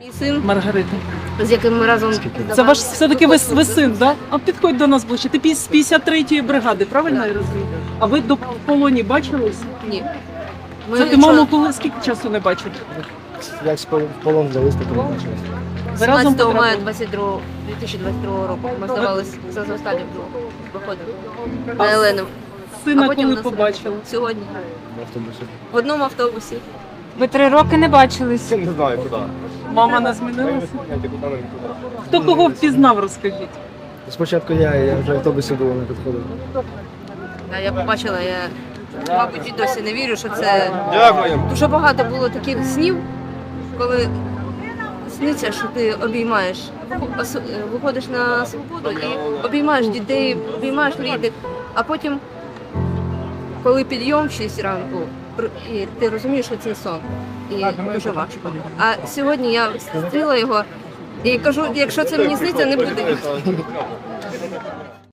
Мій син, Маргарита. з яким ми разом... Це ваш все-таки ви син, да? А підходь до нас ближче. Ти з 53-ї бригади, правильно я розумію? А ви до в полоні бачились? Ні. Це ти маму коли скільки часу не бачив? Як в полон взялись, так і не бачились. Ви разом 17 мая потрапили? 2022 року ми здавалися за останнім виходом на Елену. Сина А потім коли нас побачили? Сьогодні. В автобусі. В одному автобусі. Ви 3 роки не бачились. Не знаю, куди. Мама не змінилася? Нікуди. Хто кого впізнав, розкажіть. Спочатку я вже в автобусі було, не підходив. Я побачила, я, мабуть, і досі не вірю, що це... Дякую. Дуже багато було таких снів, коли сниться, що ти обіймаєш, виходиш на свободу і обіймаєш дітей, обіймаєш рідних, а потім, коли підйом в 6 ранку, і ти розумієш, що це сон, і дуже важко. А сьогодні я зустріла його і кажу, якщо це мені сниться, не буде.